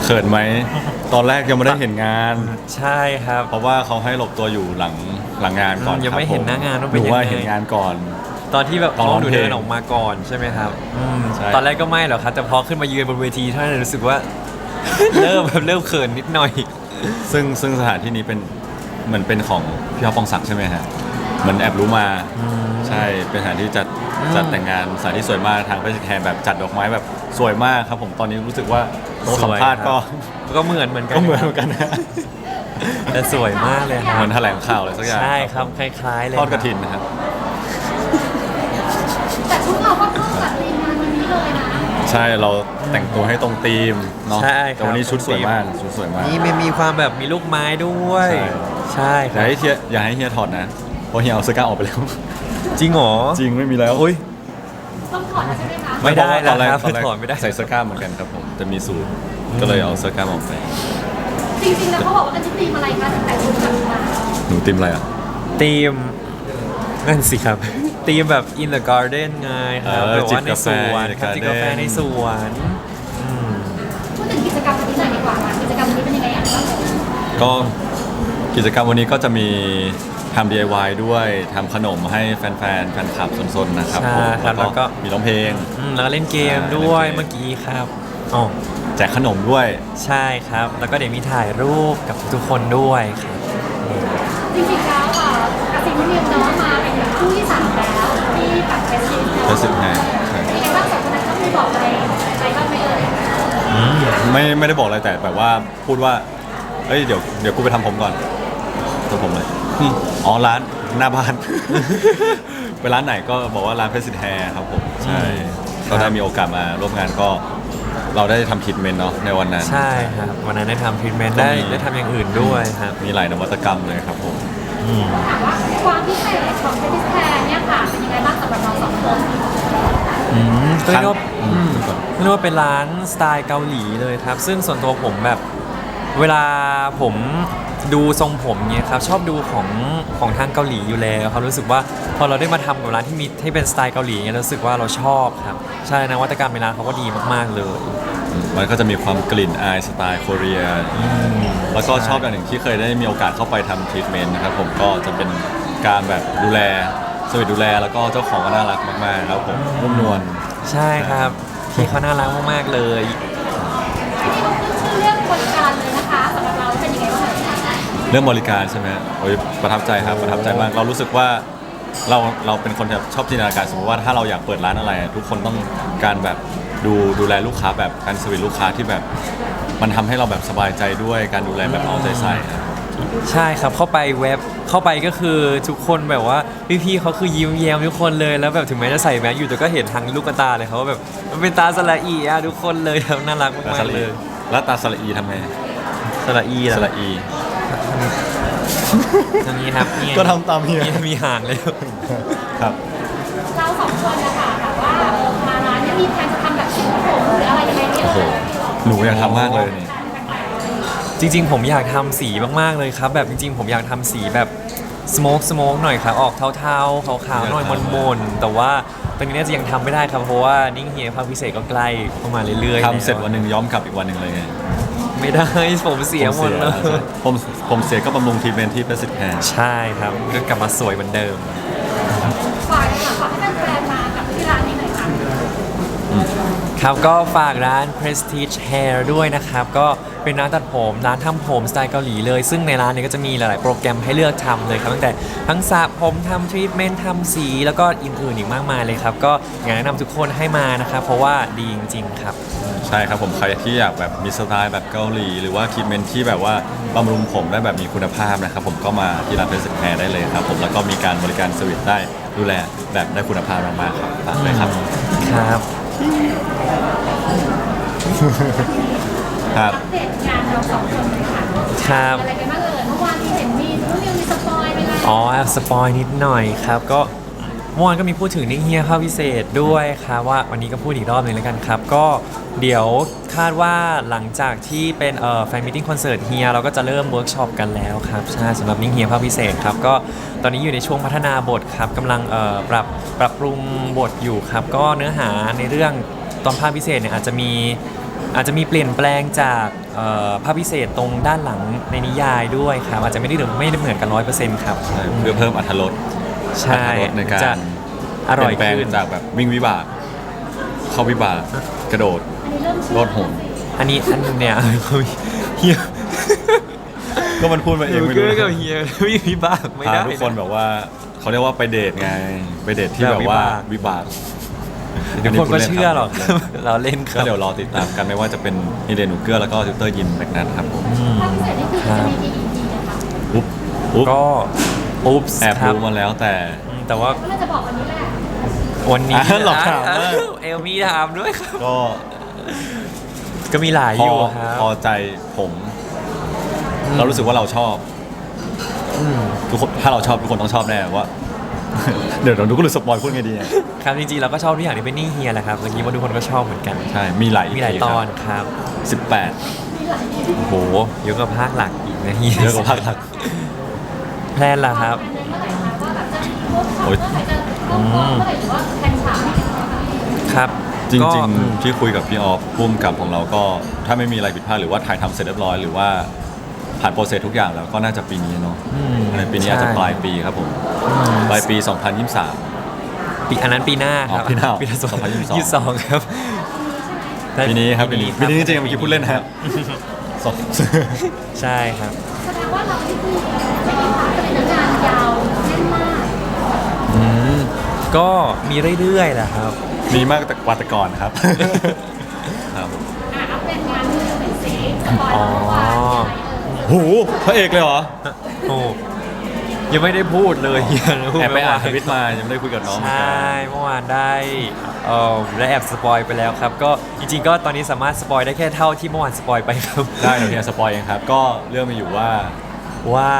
เขินไหมตอนแรกยังไม่ได้เห็นงานใช่ครับเพราะว่าเขาให้หลบตัวอยู่หลังงานก่อนยังไม่เห็นหน้างานว่าเป็นยังไงดูว่าเห็นงานก่อนตอนที่แบบตอนร้องเพลงเดินออกมาก่อนใช่ไหมครับใช่ตอนแรกก็ไม่หรอกครับแต่พอขึ้นมายืนบนเวทีเท่านั้นรู้สึกว่า เริ่มเขินนิดหน่อยซึ่งสถานที่นี้เป็นเหมือนเป็นของพี่อ๊อฟปองศักดิ์ใช่ไหมฮะเหมือนแอบรู้มาใช่เป็นสถานที่จัดแต่งงานสถานที่สวยมากทางเพชรแทนแบบจัดดอกไม้แบบสวยมากครับผมตอนนี้รู้สึกว่าโต๊ะสัมภาษณ์ก็เหมือนกันก็เหมือนกันนะแต่สวยมากเลยครับเหมือนแถลงข่าวอะไรสักอย่างใช่ครับคล้ายๆเลยทอดกระถินนะครับแต่ชุดเราก็เข้ากับธีมงานวันนี้เลยนะใช่เราแต่งตัวให้ตรงธีมเนาะใช่แต่วันนี้ชุดสวยมากชุดสวยมากนี่มีความแบบมีลูกไม้ด้วยใช่คอรับย่าให้เฮียถอดนะเพราะเฮียเอาเสื้อกล้ามออกไปแล้วจริงเหรอจริงไม่มีแล้วต้องถอดแล้วใช่ไหมคะไม่ได้แล้วครับถอดไม่ได้ใส่เสื้อกล้ามเหมือนกันครับผมจะมีสูทก็เลยเอาเสื้อกล้ามออกไปจริงๆแล้วเขาบอกว่าเป็นชุดธีมอะไรคะแต่ชุดแบบมาหนูธีมอะไรอ่ะธีมนั่นสิครับธีมแบบ in the garden ไงครับแบบว่าในสวนครับจิบกาแฟในสวนพูดถึงกิจกรรมวันนี้หน่อยดีกว่าค่ะกิจกรรมวันนี้เป็นยังไงอ่ะก็กิจกรรมวันนี้ก็จะมีทำ DIY ด้วยทำขนมให้แฟนคลับซนๆนะครับผมแล้วก็มีร้องเพลงแล้วก็เล่นเกมด้วยเมื่อกี้ครับอ๋อแจกขนมด้วยใช่ครับแล้วก็เดี๋ยวมีถ่ายรูปกับทุกคนด้วยครับจริงๆแล้วกระสิบนิวเนาะมาเป็นคู่ที่3แล้วที่แบบเฟสติวัลไงมีอะไรบ้างสองคนนั้นต้องมีบอกอะไรบ้างไหมเอ่ยไม่ได้บอกอะไรแต่แบบว่าพูดว่าเอ้ยเดี๋ยวกูไปทำผมก่อนตัวผมเลยอ๋อร้านหน้าบ้าน ไปร้านไหนก็บอกว่าร้านเพชรสิทธิ์แฮร์ครับผมใช่ก็ได้มีโอกาสมาร่วมงานก็เราได้ทำทรีทเมนต์เนาะในวันนั้นใช่ครับวันนั้นได้ทำทรีทเมนต์ได้ทำอย่างอื่นด้วยครับมีหลายนวัตกรรมเลยครับผมถามว่าความพิเศษของเพชรสิทธิ์แฮร์เนี่ยค่ะเป็นยังไงบ้างสำหรับเรา2 คนก็เรียกว่าเป็นร้านสไตล์เกาหลีเลยครับซึ่งส่วนตัวผมแบบเวลาผมดูทรงผมเนี่ยครับชอบดูของทางเกาหลีอยู่แล้วครับรู้สึกว่าพอเราได้มาทำกับร้านที่มีให้เป็นสไตล์เกาหลีเนี่ยรู้สึกว่าเราชอบครับใช่นวัตกรรมในร้านเขาก็ดีมากๆเลยมันก็จะมีความกลิ่นอายสไตล์โคเรียแล้วก็ชอบอย่างหนึ่งที่เคยได้มีโอกาสเข้าไปทำทรีทเมนต์นะครับผมก็จะเป็นการแบบดูแลสวีทดูแลแล้วก็เจ้าของก็น่ารักมากๆครับผมนุ่มนวลใช่ครับพี่เขาน่ารักมากๆเลยที่นี่ก็คือเรื่องบริการเลยนะคะสำหรับเราเป็นยังไงบ้างเรื่องบริการใช่ไหมโอ้ยประทับใจครับประทับใจมากเรารู้สึกว่าเราเป็นคนแบบชอบจินตนาการสมมติว่าถ้าเราอยากเปิดร้านอะไรทุกคนต้องการแบบดูแลลูกค้าแบบการสวิตลูกค้าที่แบบมันทำให้เราแบบสบายใจด้วยการดูแลแบบเอาใจใส่ใช่ครับเข้าไปก็คือทุกคนแบบว่าพี่ๆเขาคือยิ้มแย้มทุกคนเลยแล้วแบบถึงแม้จะใส่แมสอยู่แต่ก็เห็นทางลูกตาเลยเขาแบบมันเป็นตาสละอีอะทุกคนเลยครับน่ารักมากๆเลยแล้วตาสละอีทำไงสละอีสละอีตรงนี้ครับก็ทำตามเฮียมีห่างเลยครับเรา2 คนนะคะแบบว่ามาร้านนี้มีแผนจะทำแบบสีผมหรืออะไรยังไงเนี่ยหนูอยากทำมากเลยนี่จริงๆผมอยากทำสีมากๆเลยครับแบบจริงๆผมอยากทำสีแบบสโมกหน่อยครับออกเทาๆขาวๆหน่อยมนๆแต่ว่าตอนนี้จะยังทำไม่ได้ครับเพราะว่านิ่งเฮียภาคพิเศษก็ใกล้เข้ามาเรื่อยๆทำเสร็จวันหนึ่งย้อมกลับอีกวันหนึ่งเลยไงไม่ได้ผมเสียหมดเลยผมเสียก็บำรุงทีเป็นที่ประสิทธิ์แทนใช่ครับก็กลับมาสวยเหมือนเดิมฝากให้แฟนๆมากับที่ร้านนี้หน่อยค่ะครับก็ฝากร้าน Prestige Hair ด้วยนะครับก็เป็นร้านตัดผมร้านทำผมสไตล์เกาหลีเลยซึ่งในร้านนี้ก็จะมีหลายๆโปรแกรมให้เลือกทำเลยครับตั้งแต่ทั้งสระผมทำทรีทเมนต์ทำสีแล้วก็อื่นๆอีกมากมายเลยครับก็อยากแนะนำทุกคนให้มานะครับเพราะว่าดีจริงๆครับใช่ครับผมใครที่อยากแบบมีสไตล์แบบเกาหลีหรือว่าทรีทเมนต์ที่แบบว่าบำรุงผมได้แบบมีคุณภาพนะครับผมก็มาที่ร้าน Prestige Hair ได้เลยครับผมแล้วก็มีการบริการสวิตได้ดูแลแบบได้คุณภาพมากๆครับฝากเลยครับครับครับอัปเดตงานเรา2 คนเลยค่ะครับอะไรกันบ้างเมื่อวานที่เห็นมีสปอยไปแล้วอ๋อสปอยนิดหน่อยครับก็เมื่อวานก็มีพูดถึงนิ่งเฮียภาคพิเศษด้วยครับว่าวันนี้ก็พูดอีกรอบหนึ่งแล้วกันครับก็เดี๋ยวคาดว่าหลังจากที่เป็นแฟนมิทติ้งคอนเสิร์ตเฮียเราก็จะเริ่มเวิร์กช็อปกันแล้วครับใช่สำหรับนิ่งเฮียภาคพิเศษครับก็ตอนนี้อยู่ในช่วงพัฒนาบทครับกำลังปรับปรุงบทอยู่ครับก็เนื้อหาในเรื่องตอนภาคพิเศษเนี่ยอาจจะมีอาจจะมีเปลี่ยนแปลงจากภาพพิเศษตรงด้านหลังในนิยายด้วยครับอาจจะไม่ได้เหมือนกัน 100%ครับใช่เพื่อเพิ่มอรรถรสใช่อรรถรสในการจะอร่อยเปลี่ยนแปลขึ้นงจากแบบวิ่งวิบากเข้าวิบากกระโดดอันนี้เริ่มเชื่อโลดโหนอันเนี่ย เฮียก็มันพูดมาเองไม่รู้เกือกับเฮียไม่มีบ้างไม่พาได้ทุกคนแบบว่าเขาเรียกว่าไปเดทไงไปเดทที่แบบว่าวิบากทุกคนก็เชื่อหรอก เราเล่นคก็รับเดี๋ยวรอติดตามกันไม่ว่าจะเป็นฮิเดนูเกอร์แล้วก็ติวเตอร์ยินแบกนัทครับผมภาพพิเศษนี่คือจะมีกี่ EP นะคะอุ๊บอุ๊บก็อุ๊บส์แอบครับรู้มาแล้วแต่แต่ว่าก็เลยจะบอกวันนี้แหละวันนี้หลอกถามมากเอลมีถามด้วยครับก็ก็มีหลายพออยู่ครับพอใจผม เรารู้สึกว่าเราชอบมทุกคนถ้าเราชอบทุกคนต้องชอบแน่ว่า เดี๋ยวเราดูก็รู้สปอยพูดไงดีอะครับจริงๆเราก็ชอบทุกอย่างที่เป็นนี่เฮียแหละครับเมื่อกี้ว่าทุกคนก็ชอบเหมือนกันใช่มีหลายมีหลายตอนครับ 18 โอ้โหเยอะกว่าภาคหลักอีกนะเฮียเยอะกว่าภาคหลักแพลนล่ะครับแพลนเมื่อไหร่คะว่าแบบจะเวิร์กช็อปโอ๊ยเมื่อไหร่จะเริ่มต้นเมื่อไหร่หรือว่าแพลนฉากให้เป็นยังไงครับจริก็งๆที่คุยกับพี่ออฟพุ่มกับของเราก็ถ้าไม่มีอะไรผิดพลาดหรือว่าถ่ายทำเสร็จเรียบร้อยหรือว่าผ่านโปรเซสทุกอย่างแล้วก็น่าจะปีนี้เนาะอืมในปีนี้อาจจะปลายปีครับผมปลายปี 2023 ปีอันนั้นปีหน้าครับอ๋อปีหน้าปีหน้า 2022 22ครับปีนี้ครับปีนี้ปีนี้จริงๆเมื่อกี้พูดเล่นนะครับสองใช่ครับแสดงว่าเราที่คือไม่มีขาดเลยนะงานยาวแน่นมากอืมก็มีเรื่อยๆแหละครับมีมากแต่กว่าแต่ก่อนครับ ครับอัปเดตงานที่เป็นซีสปอยล์อ๋อเมื่อวานยังไงโหพระเอกเลยเหรอโอ้ยังไม่ได้พูดเลยเฮียพูดแอบไปอ่านทเมื่ววิตมายังไม่ได้คุยกับน้องเหมือนใช่กันเมื่อวานได้แอบสปอยไปแล้วครับ ก็จริงๆก็ตอนนี้สามารถสปอยได้แค่เท่าที่เมื่อวานสปอยไปครับได้เดี๋ยวเนี่ยสปอยเองครับ ก็เรื่องมีอยู่ว่าว่า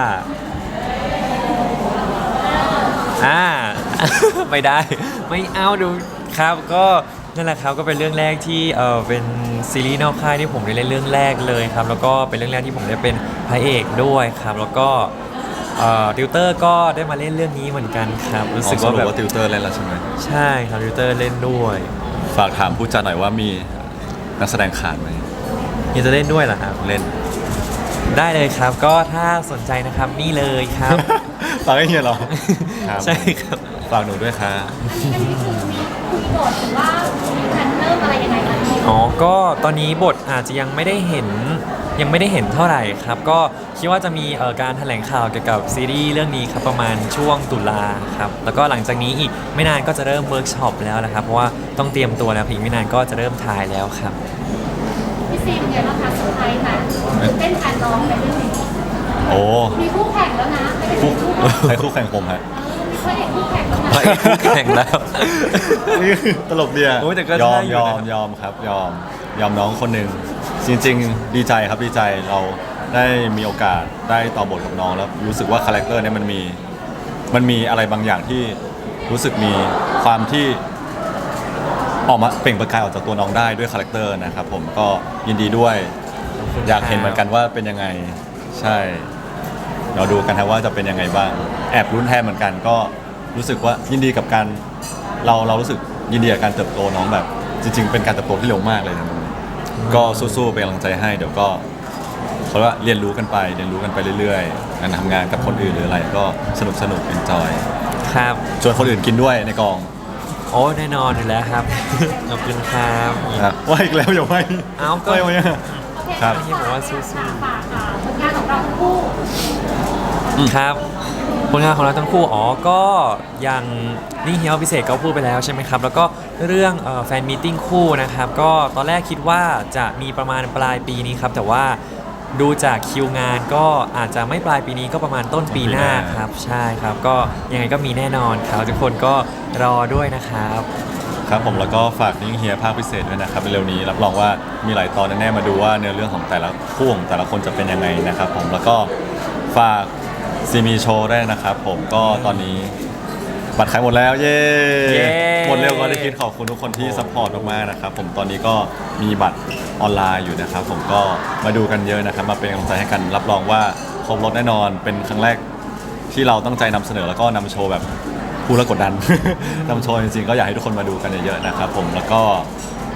อ่า ไม่ได้ ไม่เอาดูครับก็นั่นแหละครับก็เป็นเรื่องแรกที่เป็นซีรีส์นอกค่ายที่ผมได้เล่นเรื่องแรกเลยครับ แล้วก็เป็นเรื่องแรกที่ผมได้เป็นพระเอกด้วยครับ แล้วก็ติวเตอร์ก็ได้มาเล่นเรื่องนี้เหมือนกันครับ รู้สึกว่าแบบว่าติวเตอร์เล่นแล้วใช่ไหมใช่ครับติวเตอร์เล่นด้วยฝากถามผู้จัดหน่อยว่ามีนักแสดงขาดไหมยังจะเล่นด้วยเหรอครับเล่นได้เลยครับ ก็ถ้าสนใจนะครับนี่เลยครับฝากให้เฮียเหรอครับใช่ครับฝากหนูด้วยครับอันนี้คือมีคุยบทหรือว่ามีแพลนเริ่มอะไรยังไงกันดีอ๋อ ก็ตอนนี้บทอาจจะยังไม่ได้เห็นเท่าไหร่ครับ ก็คิดว่าจะมีการแถลงข่าวเกี่ยวกับซีรีส์เรื่องนี้ครับประมาณช่วงตุลาครับ แล้วก็หลังจากนี้อีกไม่นานก็จะเริ่มเวิร์กช็อปแล้วนะครับ เพราะว่าต้องเตรียมตัวแล้วอีกไม่นานก็จะเริ่มถ่ายแล้วครับพี่ซีเป็นไงบ้างคะเซอร์ไพรส์ไหมตื่นเต้นแทนน้องไปเรื่องนี้โอ้มีคู่แข่งแล้วนะไม่ได้คู่เป็นคู่แข่งใครคู่แข่งผมฮะมีพระเอกคู่แข่งแล้วนะพระเอกคู่แข่งแล้วนี่ตลกดีอะโอ้ยแต่ก็ยอมได้อยู่ยอนะมยอมครับยอมน้องคนหนึ่งจริงๆ ดีใจครับดีใจเราได้มีโอกาสได้ต่อบทกับน้องแล้วรู้สึกว่าคาแรคเตอร์เนี่ยมันมีอะไรบางอย่างที่รู้สึกมีความที่ออกมาเปล่งประกายออกจากตัวน้องได้ด้วยคาแรคเตอร์นะครับผมก็ยินดีด้วย อยากเห็นเหมือนกันว่าเป็นยังไงใช่เราดูกันครับว่าจะเป็นยังไงบ้างแอบรุ้นแทนเหมือนกันก็รู้สึกว่ายินดีกับการเรารู้สึกยินดีกับการเติบโตน้องแบบ จริง ๆ เป็นการเติบโตที่เร็วมากเลยนะก็สู้ๆเป็นกำลังใจให้เดี๋ยวก็เขาเรียกว่าเรียนรู้กันไปเรื่อยๆการทำงานกับคนอื่นหรืออะไรก็สนุกเอนจอยครับชวนคนอื่นกินด้วยในกองโอ้แน่นอนอยู่แล้วครับ ขอบคุณครับนะว่าอีกแล้วอย่าไม่เอาก็ไม่เนี่ยโอเคครับที่ผมว่าสู้ๆฝากผลงานของเราทั้งคู่ครับผลงานของเราทั้งคู่ก็อย่างนี่เฮียพิเศษก็พูดไปแล้วใช่ไหมครับ แล้วก็เรื่องแฟนมีตติ้งคู่นะครับ ก็ตอนแรกคิดว่าจะมีประมาณปลายปีนี้ครับ แต่ว่าดูจากคิวงานก็อาจจะไม่ปลายปีนี้ก็ประมาณต้นปีหน้าครับ ใช่ครับ ก็ยังไงก็มีแน่นอนครับทุกคนก็รอด้วยนะครับครับผมแล้วก็ฝากนิ่งเฮียภาคพิเศษด้วยนะครับเร็วๆนี้รับรองว่ามีหลายตอนแน่ๆมาดูว่าเนื้อเรื่องของแต่ละคู่ของแต่ละคนจะเป็นยังไงนะครับผมแล้วก็ฝากซีมีโชว์ได้นะครับผมก็ตอนนี้บัตรขายหมดแล้วเย้เย้หมดเร็วกว่าที่คิดขอบคุณทุกคนที่ซัพพอร์ตมากๆนะครับผมตอนนี้ก็มีบัตรออนไลน์อยู่นะครับผมก็มาดูกันเยอะนะครับมาเป็นกำลังใจให้กันรับรองว่าครบรถแน่นอนเป็นครั้งแรกที่เราตั้งใจนำเสนอแล้วก็นำโชว์แบบ พูดแล้วกดดัน นำโชว์จริงๆก็อยากให้ทุกคนมาดูกันเยอะๆนะครับผมแล้วก็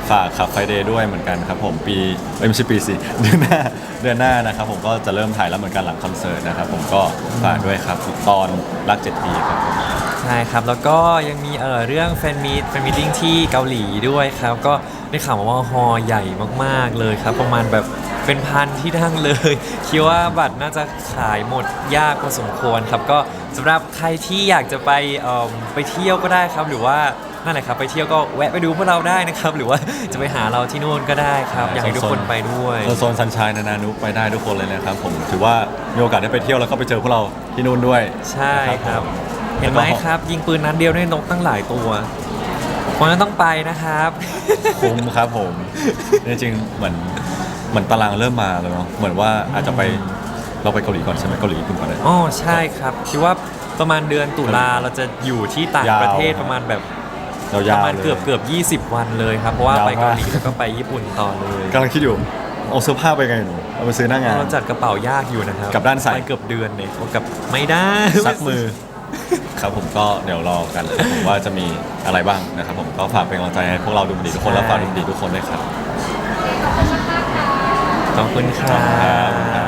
ฝากขับไฟเดย์ด้วยเหมือนกันครับผมปีไม่ใช่ปีสิ เดือนหน้านะครับผมก็จะเริ่มถ่ายแล้วเหมือนกันหลังคอนเสิร์ตนะครับผมก็ฝากด้วยครับตอนรัก7 ปีครับผมใช่ครับ แล้วก็ยังมีเรื่องแฟนมีตติ้งที่เกาหลีด้วยครับ ก็ได้ข่าวมาว่าฮอลล์ใหญ่มากๆเลยครับ ประมาณแบบเป็นพันที่นั่งเลย คิดว่าบัตรน่าจะขายหมดยากพอสมควรครับ ก็สำหรับใครที่อยากจะไปเที่ยวก็ได้ครับ หรือว่านั่นแหละครับไปเที่ยวก็แวะไปดูพวกเราได้นะครับ หรือว่าจะไปหาเราที่นู่นก็ได้ครับ อยากให้ทุกคนไปด้วยโซนซันชายนานานุไปได้ทุกคนเลยนะครับผมถือว่ามีโอกาสได้ไปเที่ยวแล้วก็ไปเจอพวกเราที่นู่นด้วยใช่ครับผมเห็นไหมครับ ยิงปืนนัดเดียวได้นกตั้งหลายตัวคนนั้นต้องไปนะครับคุ้มครับผมจริงๆเหมือนตารางเริ่มมาแล้วเนาะเหมือนว่าอาจจะไปเราไปเกาหลีก่อนใช่ไหมเกาหลีญี่ปุ่นก่อนเลยอ๋อใช่ครับคิดว่าประมาณเดือนตุลาเราจะอยู่ที่ต่างประเทศยาวประมาณแบบยาวประๆมาณเลยเกือบ20 วันเลยครับ เพราะว่ายาวไปมากเกาหลีแล้วก็ไปญี่ปุ่นต่อเลยกำลังคิดอยู่เอาเสื้อผ้าไปไงหนูเอาไปซื้อหน้างานเราจัดกระเป๋ายากอยู่นะครับกลับด้านใส่ไปเกือบเดือนเนี่ยกับไม่ได้ซักมือ ครับผมก็เดี๋ยวรอกันนะครับผมว่าจะมีอะไรบ้างนะครับผมก็ฝากเป็นกำลังใจให้พวกเราดูมันดีทุกคนแล้วฝากดูมันดีทุกคนด้วยครับขอบคุณมากๆค่ะขอบคุณครัขอบคุณครับ บ